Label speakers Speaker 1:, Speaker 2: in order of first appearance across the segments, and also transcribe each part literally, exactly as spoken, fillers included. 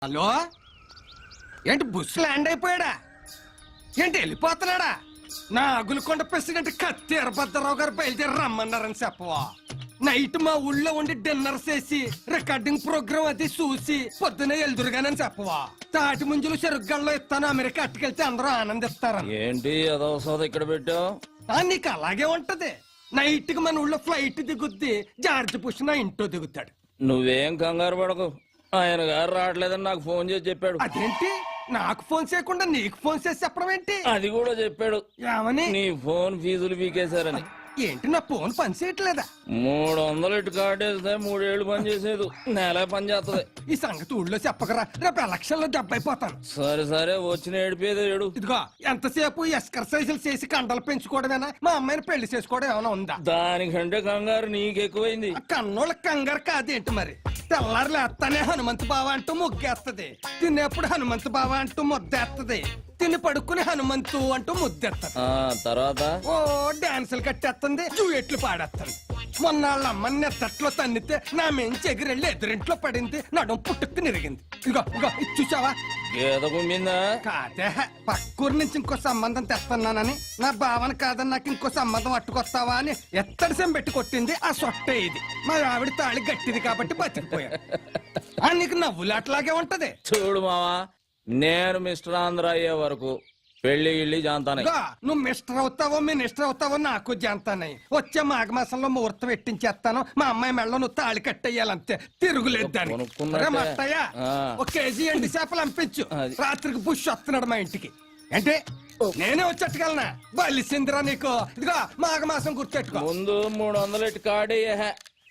Speaker 1: Hello, ఏంటి బుస్ land అయిపోయాడా? ఏంటి వెళ్ళిపోతున్నాడా? నా అగులకొండ ప్రెసిడెంట్ కత్తి వీరభద్రరావు గారు బయలుదేరి రమ్మన్నారని చెప్పవా? నైట్ మా ఊళ్ళో ఉండి డిన్నర్ చేసి రికార్డింగ్ ప్రోగ్రామ్ అది చూసి పొద్దునే ఎల్దురుగానని చెప్పవా? తాటి ముంజులు చెరుగ్గల్లో ఇస్తాను, అమెరికా అట్టుకెళ్తే అందరూ ఆనందిస్తారు.
Speaker 2: ఏంటి అదవసరం ఇక్కడ పెట్టావు?
Speaker 1: నీకు అలాగే ఉంటది. నైట్ కి మన ఊళ్ళో ఫ్లైట్ దిగుద్ది, జార్జ్ బుష్ నా ఇంట్లో దిగుతాడు.
Speaker 2: నువ్వేం కంగారు పడకు, ఆయన గారు రావట్లేదని నాకు ఫోన్ చేసి చెప్పాడు.
Speaker 1: అదేంటి నాకు ఫోన్ చేయకుండా నీకు ఫోన్ చేసి చెప్పడం ఏంటి?
Speaker 2: అది కూడా చెప్పాడు.
Speaker 1: ఏమని?
Speaker 2: నీ ఫోన్ ఫీజులు పీకేశారని.
Speaker 1: ఏంటి నా ఫోన్ పని చేయట్లేదా?
Speaker 2: మూడు వందలు ఇటు కార్డేస్తే మూడేళ్లు పని చేసేది, నెల పని చేస్తుంది.
Speaker 1: ఈ సంగతి ఊళ్ళో చెప్పకరా, రేపు ఎలక్షన్ లో దెబ్బైపోతాను.
Speaker 2: సరే సరే వచ్చిన ఏడిపోయేది ఏడు.
Speaker 1: ఇదిగో ఎంతసేపు ఎక్సర్సైజులు చేసి కండలు పెంచుకోవడమేనా? మా అమ్మాయిని పెళ్లి చేసుకోవడం ఏమైనా ఉందా?
Speaker 2: దానికంటే కంగారు నీకు ఎక్కువైంది.
Speaker 1: కన్నోళ్ళ కంగారు కాదేంటి మరి? తెల్లారు లేస్తానే హనుమంతు బావ అంటూ ముగ్గేస్తది, తినేప్పుడు హనుమంతు బావ అంటూ ముద్దేస్తది, తిని పడుకుని హనుమంతు అంటూ ముద్దెత్తది.
Speaker 2: ఆ తర్వాత
Speaker 1: ఓ డాన్సులు కట్టేస్తుంది, జూయెట్లు పాడేస్తుంది. మొన్న వాళ్ళ అమ్మని నెత్తట్లో తన్నితే నా మెంచి ఎగిరెళ్ళి ఎదురింట్లో పడింది, నడుం పుట్టుకు నిరిగింది. ఇగో ఇగో ఇది చూసావా?
Speaker 2: గీత కుమ్మిందా?
Speaker 1: కాదే, పక్కూరు నుంచి ఇంకో సంబంధం తెస్తున్నానని, నా భావన కాదని నాకు ఇంకో సంబంధం అట్టుకొస్తావా అని ఎత్తడి సెం పెట్టి కొట్టింది. ఆ సొట్టే ఇది. మా ఆవిడ తాళి గట్టిది కాబట్టి బతికిపోయా. నీకు నవ్వులాట్లాగే ఉంటది.
Speaker 2: చూడు మావా, నేను మిస్టర్ ఆంధ్ర అయ్యే వరకు పెళ్లి గిళ్ళి జాంతానే.
Speaker 1: నువ్వు మిస్టర్ అవుతావో మినిస్టర్ అవుతావో నాకు జాంతానయ్యి. వచ్చే మాఘమాసంలో ముహూర్తం పెట్టించేస్తాను. మా అమ్మాయి మెళ్ళ నువ్వు తాళి కట్టేయాలంతే, తిరుగులేదు దాన్ని. మట్టయ్యా, ఒక కేజీ ఎండి చేపలు పంపించు. రాత్రికి బుష్ వస్తున్నాడు మా ఇంటికి. అంటే నేనే వచ్చేట్టుకెళ్ళనా? బలిసిందిరా నీకు. ఇదిగో మాఘమాసం గుర్తెట్టుకో.
Speaker 2: ముందు మూడు వందలు ఇటు కాడేయ.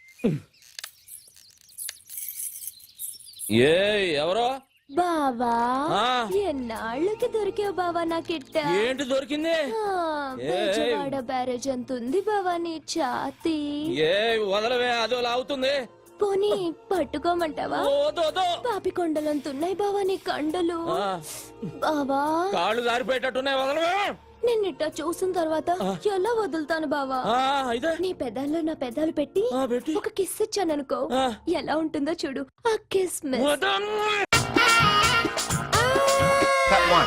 Speaker 2: ఏ ఎవరో
Speaker 3: బావా, ఎన్నాళ్ళకి దొరికావు బావా నాకిట్ట.
Speaker 2: ఏంటి దొరికింది?
Speaker 3: బెజవాడ బ్యారేజ్ అంత ఉంది బావా నీ ఛాతీ.
Speaker 2: ఏ వదలవే, అదో లాగుతుంది.
Speaker 3: పోనీ పట్టుకోమంటావా? పాపి కొండలంతున్నాయి బావా నీ కండలు. బావా
Speaker 2: కాళ్ళు జారిపోయేటట్టున్నాయి, వదలవే.
Speaker 3: నిన్నిట్ట చూసిన తర్వాత ఎలా వదులుతాను బావా? నీ పెదాల్లో నా పెదాలు పెట్టి ఒక కిస్ ఇచ్చాననుకో, ఎలా ఉంటుందో చూడు. ఆ kiss miss.
Speaker 4: Cut one.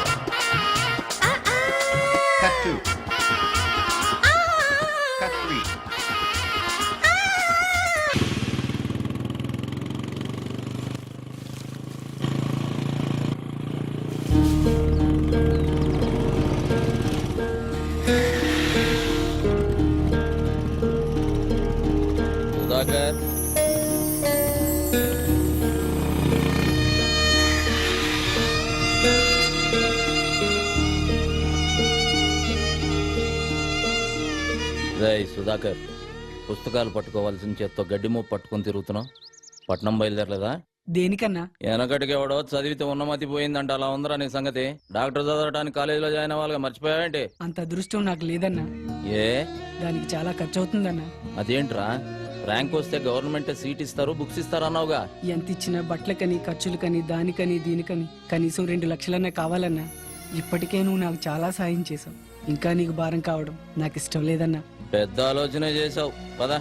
Speaker 4: Cut two. Cut three.
Speaker 2: Sudhakar, Sudhakar, పుస్తకాలు పట్టుకోవాల్సిన చేత్తో గడ్డి మూపు పట్టుకుని తిరుగుతున్నావు. పట్నం బయలుదేరలేదా?
Speaker 5: దేనికన్నా?
Speaker 2: వెనకటికి ఎవడో చదివితే ఉన్నమతి పోయిందంట, అలా ఉందరా నీ సంగతి? డాక్టర్ చదవడానికి కాలేజీలో జాయిన్ అవ్వాలిగా, మర్చిపోయావేంటి?
Speaker 5: అంత అదృష్టం నాకు లేదన్నా.
Speaker 2: ఏ
Speaker 5: దానికి చాలా ఖర్చు అవుతుందన్నా.
Speaker 2: అదేంట్రా, ర్యాంక్ వస్తే గవర్నమెంట్ సీట్ ఇస్తారు, బుక్స్ ఇస్తారు అన్నావుగా.
Speaker 5: ఎంత ఇచ్చినా బట్టలకని, ఖర్చులకని, దానికని దీనికని కనీసం రెండు లక్షలన్నా కావాలన్నా. ఇప్పటికే నువ్వు నాకు చాలా సాయం చేసావు, ఇంకా నీకు భారం కావడం నాకు ఇష్టం లేదన్నా.
Speaker 2: పెద్ద ఆలోచన చేసావు పదా.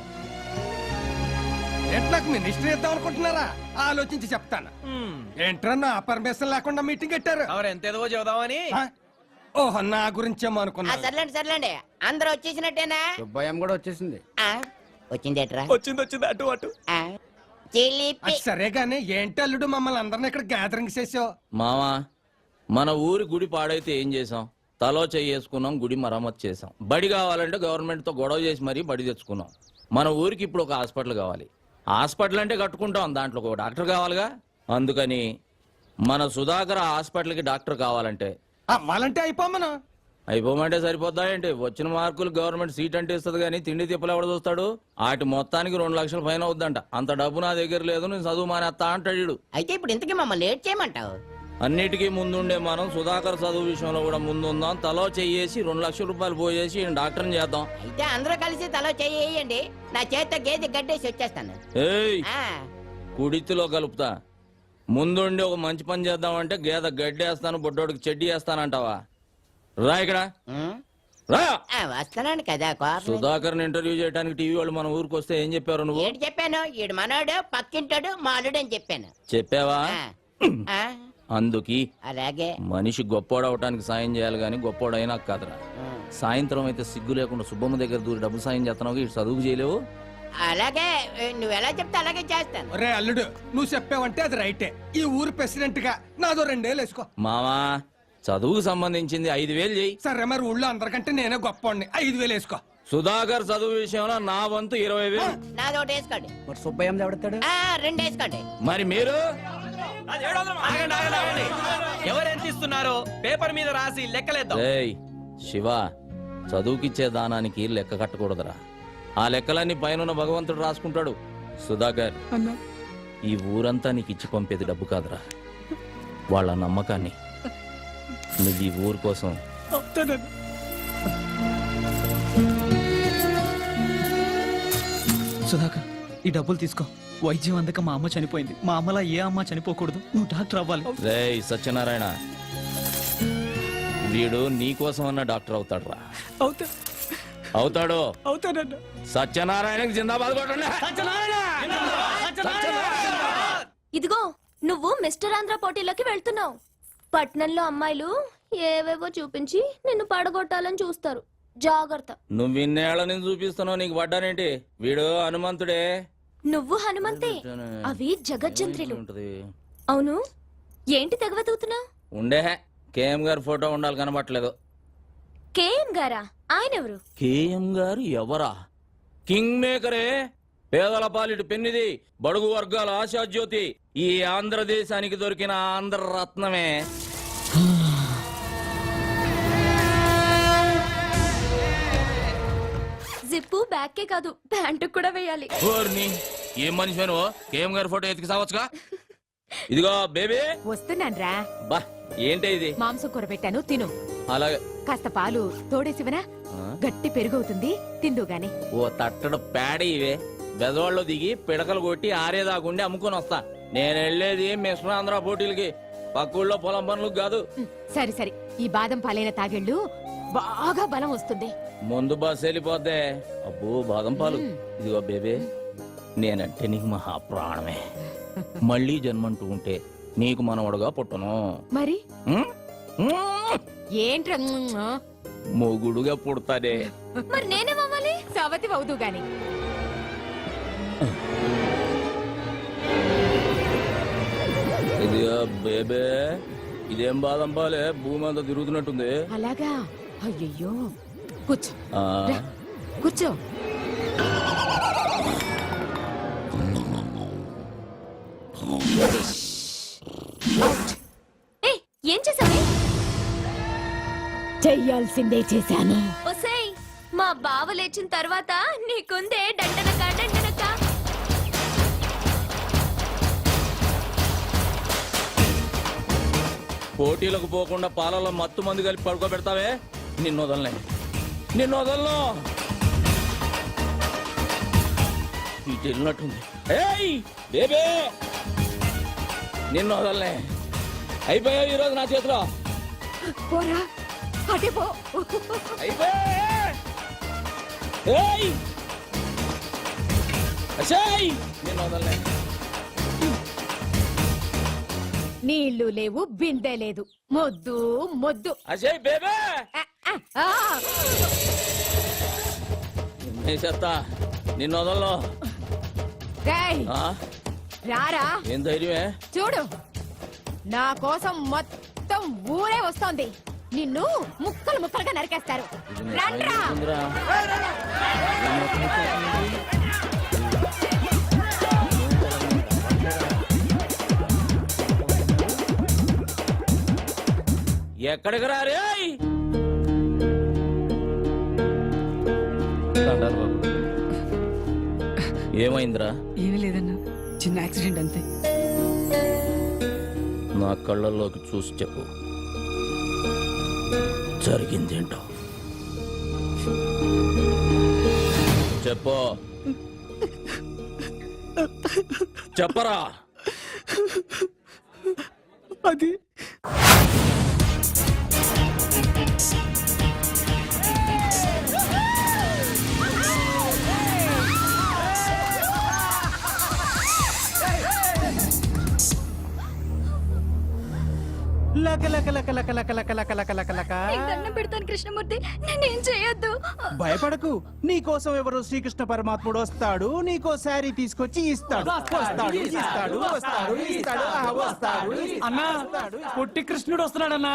Speaker 1: ఎట్లాకు మినిస్టర్ ఇద్దాం అనుకుంటున్నారా? ఆలోచించి చెప్తాను. ఏంట్రా నా పర్మిషన్ లేకుండా మీటింగ్ పెట్టారు?
Speaker 6: ఎంతేదో చెబుదామని.
Speaker 1: ఓహో, నా గురించేమో అనుకున్నా.
Speaker 7: సర్లేండి సర్లేండి, అందరూ వచ్చేసినట్టేనా?
Speaker 6: సుబ్బయ్యం కూడా వచ్చేసింది.
Speaker 7: వచ్చిందేట్రా?
Speaker 6: వచ్చింది వచ్చింది అటు అటు.
Speaker 1: అది సరే గానీ ఏంటి అల్లుడు మమ్మల్ని అందరిని ఇక్కడ గ్యాదరింగ్ చేసావు?
Speaker 2: మామా, మన ఊరి గుడి పాడైతే ఏం చేసాం? తలో చేసుకున్నాం, గుడి మరమ్మతు చేసాం. బడి కావాలంటే గవర్నమెంట్ తో గొడవ చేసి మరీ బడి తెచ్చుకున్నాం. మన ఊరికి ఇప్పుడు ఒక హాస్పిటల్ కావాలి. హాస్పిటల్ అంటే కట్టుకుంటాం, దాంట్లో ఒక డాక్టర్ కావాలిగా. అందుకని మన సుధాకర్ హాస్పిటల్కి డాక్టర్ కావాలంటే
Speaker 1: అవ్వాలంటే అయిపోమను.
Speaker 2: అయిపోమంటే సరిపోద్దా ఏంటి? వచ్చిన మార్కులు గవర్నమెంట్ సీట్ అంటే ఇస్తుంది కానీ తిండి తిప్పలు ఎవడ చూస్తాడు? వాటి మొత్తానికి రెండు లక్షల ఫైన్ అవుద్దంట. అంత డబ్బు నా దగ్గర లేదు, నేను చదువు మానేస్తా అంటాడు.
Speaker 7: అయితే ఇప్పుడు ఇంతకీ మమ్మల్ని లేట్ చేయమంటావు?
Speaker 2: అన్నిటికీ ముందుండే మనం సుధాకర్ చదువు విషయంలో కూడా ముందుందాం. తలో చెయ్యేసి రెండు లక్షల రూపాయలు పోయేసి డాక్టర్ని చేద్దాం.
Speaker 7: అయితే అందరూ కలిసి తలో చెయ్యండి, నా చేత గేదె గడ్డేసి వచ్చేస్తాను.
Speaker 2: ఏయ్, కుడితిలో కలుపుతా. ముందుండి ఒక మంచి పని చేద్దామంటే గేదె గడ్డేస్తాను, బొడ్డోడికి చెడ్డి వేస్తానంటావా? రా ఇక్కడ రా.
Speaker 7: వస్తున్నాను కదా.
Speaker 2: సుధాకర్ ఇంటర్వ్యూ చేయడానికి టీవీ వాళ్ళు మన ఊరికి వస్తే ఏం చెప్పారు నువ్వు?
Speaker 7: ఏంటి చెప్పాను? ఈడు మనోడు, పక్కింటాడు, మాలుడు అని చెప్పాను.
Speaker 2: చెప్పావా?
Speaker 7: ఆ,
Speaker 2: అందుకి
Speaker 7: అలాగే
Speaker 2: మనిషి గొప్పోడవటానికి సాయం చేయాలి గాని గొప్పోడైనా కాదురా. సాయంత్రం అయితే సిగ్గు లేకుండా సుబ్బమ్మ దగ్గర దూరి డబ్బులు సాయం చేస్తున్నావు, ఇటు చదువుకు చేయలేవు.
Speaker 7: అలాగే నువ్వు ఎలా చెప్తే అలాగే చేస్తాను.
Speaker 1: ఒరే అల్లుడు, నువ్వు చెప్పావంటే అది రైటే. ఈ ఊరు ప్రెసిడెంట్ గా నాదో రెండేళ్ళు వేసుకో.
Speaker 2: మావా చదువుకు సంబంధించింది ఐదు వేలు చెయ్యి.
Speaker 1: సరే మరి ఊళ్ళో అందరికంటే నేనే గొప్పవాడిని. ఐదు వేలు వేసుకో.
Speaker 2: సుధాకర్ చదువు విషయంలో నా వంతు ఇరవై వేలు.
Speaker 7: నాది ఒకటి వేసుకోండి.
Speaker 5: మరి సుబ్బయ్య ఎవడతాడు?
Speaker 7: ఆ, రెండు వేసుకోండి.
Speaker 2: మరి మీరు
Speaker 6: ఆగండి, ఆగండి, ఆగండి. ఎవరెంత ఇస్తున్నారో పేపర్ మీద రాసి లెక్కలేద్దాం.
Speaker 2: రేయ్ శివ, చదువుకిచ్చే దానానికి లెక్క కట్టకూడదురా. ఆ లెక్కలన్నీ పైన భగవంతుడు రాసుకుంటాడు. సుధాకర్,
Speaker 5: అన్నా
Speaker 2: ఈ ఊరంతా నీకు ఇచ్చి పంపేది డబ్బు కాదురా, వాళ్ళ నమ్మకాన్ని. నువ్వు ఈ ఊరు కోసం
Speaker 5: అవుతానన్నా.
Speaker 8: సుధాకర్, ఈ డబ్బులు తీసుకో. వైద్యం అందక మా అమ్మ చనిపోయింది. మా అమ్మలా ఏ అమ్మ చనిపోకూడదు. నువ్వు డాక్టర్ అవ్వాలి.
Speaker 2: రేయ్ సత్యనారాయణ, వీడు నీ కోసం అన్న డాక్టర్ అవుతాడు రా.
Speaker 5: అవుతా
Speaker 2: అవుతాడు.
Speaker 5: అవుతానన్నా.
Speaker 2: సత్యనారాయణకి జిందాబాద్ కొట్టండి.
Speaker 3: ఇదిగో నువ్వు మిస్టర్ ఆంధ్ర పోటీలోకి వెళ్తున్నావు. పట్నంలో అమ్మాయిలు ఏవేవో చూపించి నిన్ను పడగొట్టాలని చూస్తారు. జాగ్రత్త.
Speaker 2: నువ్వు ఇన్నేళ్ల నుంచి చూపిస్తున్నావు, నీకు పడ్డానేంటి? వీడు హనుమంతుడే.
Speaker 3: నువ్వు హనుమంతే, అవి జగజ్జంత్రులు.
Speaker 2: ఉంటది.
Speaker 3: అవును, ఏంటి తెగవెతుకుతున్నావు?
Speaker 2: ఉండే కేఎం గారి ఫోటో ఉండాలి, కనబట్టలేదు.
Speaker 3: కేఎం గారా? ఆయన ఎవరు?
Speaker 2: కేఎం గారు ఎవరా? కింగ్ మేకరే, పేదల పాలిటి పెన్నిది, బడుగు వర్గాల ఆశాజ్యోతి, ఈ ఆంధ్రదేశానికి దొరికిన ఆంధ్ర రత్నమే.
Speaker 3: జిప్పు బ్యాక్కే కాదు, ప్యాంటు కూడా వేయాలి.
Speaker 2: ఓర్ని, ఏం మనిషి నువ్వు? కేఎం గారి ఫోటో ఎతికి సావచ్చుగా. ఇదిగో బేబీ.
Speaker 9: వస్తున్నాన్రా.
Speaker 2: బా ఏంటి ఇది?
Speaker 9: మాంసం కూర పెట్టాను, తిను.
Speaker 2: అలాగే.
Speaker 9: కాస్త పాలు తోడేసివనా?
Speaker 2: ఆ?
Speaker 9: గట్టి పెరుగవుతుంది, తిందు గాని.
Speaker 2: ఓ తట్టడు పేడ ఇవే. బెదవాళ్ళు దిగి పిడకలు కొట్టి ఆరేదాకుండి అమ్ముకొని వస్తా. నేను వెళ్ళేది మిశ్ర ఆంధ్ర పోటీలకి, పక్కూళ్ళో పొలం పనులకు కాదు.
Speaker 9: ఉమ్, సరే సరే, ఈ బాదం పాలైన తాగెళ్ళు బాగా బలం వస్తుంది.
Speaker 2: ముందు బస్ వెళ్ళిపోద్దే. అబ్బో బాదం పాలు.
Speaker 9: మ్.
Speaker 2: ఇదిగో బేబే, నేనంటే నీకు మహా ప్రాణమే. మళ్ళీ జన్మంటూ ఉంటే నీకు మనవడుగా పుట్టను.
Speaker 9: మరి
Speaker 2: మ్? మ్?
Speaker 9: ఏంట్రా ఉమ్, ఆ?
Speaker 2: మొగుడుగా పుడతానే.
Speaker 3: మరి నేనేమవ్వాలి?
Speaker 9: సవతి అవుదు గాని.
Speaker 2: ఇదిగో బేబే, ఇదేం బాదం పాలే, భూమి అంతా తిరుగుతున్నట్టుంది.
Speaker 9: అలాగా? అయ్యయ్యో, కూర్చో
Speaker 2: ఆ,
Speaker 9: రా, కూర్చో.
Speaker 3: ఏ ఏం చేసావు?
Speaker 9: చెయ్యాల్సిందే చేశాను.
Speaker 3: ఒసేయ్, మా బావ లేచిన తర్వాత నీకుందే డండనక డండనక.
Speaker 2: పోటీలకు పోకుండా పాలలో మత్తు మందు కలిపి పడుకోబెడతావే, నిన్ను వదలనే, నిన్ను వదలను. ఇటు వెళ్ళినట్టుంది. ఏయ్ బేబే, నిన్ను వదలనే. అయిపోయావు ఈరోజు నా చేతిలో.
Speaker 9: పోరా, అటే పో.
Speaker 2: అయిపోయా. ఏయ్ అసేయ్, నిన్ను వదలనే.
Speaker 9: నీళ్లు లేవు, బిందె లేదు, మొద్దు మొద్దు.
Speaker 2: అసేయ్ బేబే,
Speaker 9: ఆ, ఆ, ఆ.
Speaker 2: చెత్తా, నిన్ను వదలను.
Speaker 9: రేయ్,
Speaker 2: ఆ,
Speaker 9: రారా,
Speaker 2: ఏం ధైర్యమే?
Speaker 9: చూడు, నా కోసం మొత్తం ఊరే వస్తోంది. నిన్ను ముక్కలు ముక్కలుగా నరికేస్తారు. రండ్రా.
Speaker 2: ఉందిరా. ఎక్కడికి రారే? ఏమైందిరా?
Speaker 5: ఏమీ లేదన్నా, చిన్న యాక్సిడెంట్ అంతే.
Speaker 2: నా కళ్ళల్లోకి చూసి చెప్పు, జరిగిందేంటో చెప్పు. చెప్పరా.
Speaker 5: అది
Speaker 10: లక లక లక లక లక లక లక లక లక లక.
Speaker 3: నీకు దండం పెడతాను కృష్ణమూర్తి నేనేం చేయొద్దు
Speaker 10: భయపడకు నీ కోసం ఎవరు శ్రీకృష్ణ పరమాత్ముడు వస్తాడు నీకో శారీ తీసుకొచ్చి ఇస్తాడు వస్తాడు ఇస్తాడు వస్తాడు ఇస్తాడు ఆ, వస్తాడు
Speaker 5: అన్నా పొట్టి కృష్ణుడు వస్తున్నాడన్నా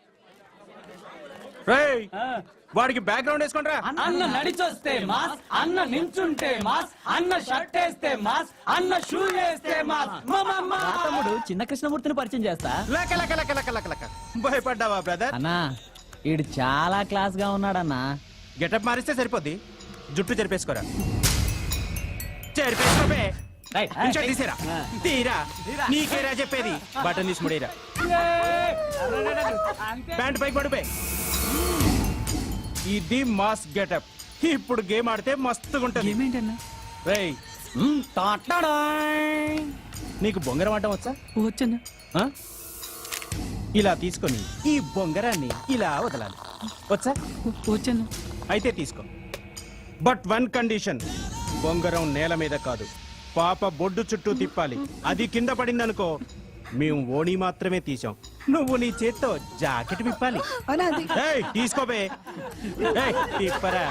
Speaker 10: రేయ్, వాడికి బ్యాక్గ్రౌండ్ వేసుకోండిరా.
Speaker 5: అన్న నడిచొస్తే మాస్ అన్న నించుంటే మాస్ అన్న షర్ట్ వేస్తే మాస్ అన్న షూ వేస్తే మాస్
Speaker 8: తమ్ముడు చిన్న కృష్ణమూర్తిని పరిచయం చేస్తా
Speaker 10: లక లక లక లక లక లక. భయపడ్డావా బ్రదర్?
Speaker 8: అన్నా ఈడు చాలా క్లాస్ గా ఉన్నాడన్నా
Speaker 10: గెటప్ మారిస్తే సరిపోద్ది. జుట్టు చెరిపేసుకోరా. చెరిపేసుకోబే. ఇంచో తీసేరా. తీరా నీకేరా చెప్పేది. బటన్ తీసి ముడేరా. ప్యాంట్ పైకి పడిపోయి. ఇది మాస్ గెటప్. ఇప్పుడు గేమ్ ఆడితే మస్తుగా ఉంటది.
Speaker 5: ఏమేంటన్నా
Speaker 10: రేయ్, నీకు బొంగరం ఆడటం వచ్చా?
Speaker 5: వచ్చన్నా
Speaker 10: ఆ? ఇలా తీసుకొని ఈ బొంగరాన్ని ఇలా వదలాలి. వచ్చా?
Speaker 5: వచ్చన్నా
Speaker 10: అయితే తీసుకో. బట్ వన్ కండిషన్, బొంగరం నేల మీద కాదు, పాప బొడ్డు చుట్టూ తిప్పాలి. అది కింద పడిందనుకో మేము ఓణి మాత్రమే తీసాం. నువ్వు నీ చేత్తో జాకెట్ విప్పాలి. ఏయ్, తీసుకోబే. ఏయ్, తిప్పరా.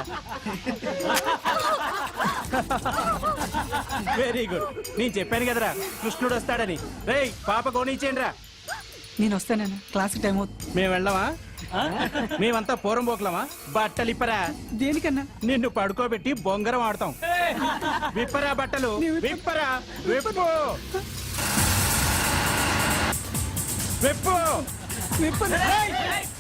Speaker 10: Very good. నేను చెప్పాను కదరా కృష్ణుడు వస్తాడని. రేయ్, పాప కోణించేయండి రా.
Speaker 5: నేను వస్తానన్నా క్లాస్ టైం అవుతుంది
Speaker 10: మేము వెళ్ళమా? మేమంతా పూరం పోకలమా? బట్టలు ఇప్పరా.
Speaker 5: దేనికన్నా
Speaker 10: నిన్ను పడుకోబెట్టి బొంగరం ఆడతాం. విప్పరా బట్టలు. విప్పరా. విప్పు విప్పు
Speaker 5: విప్పను.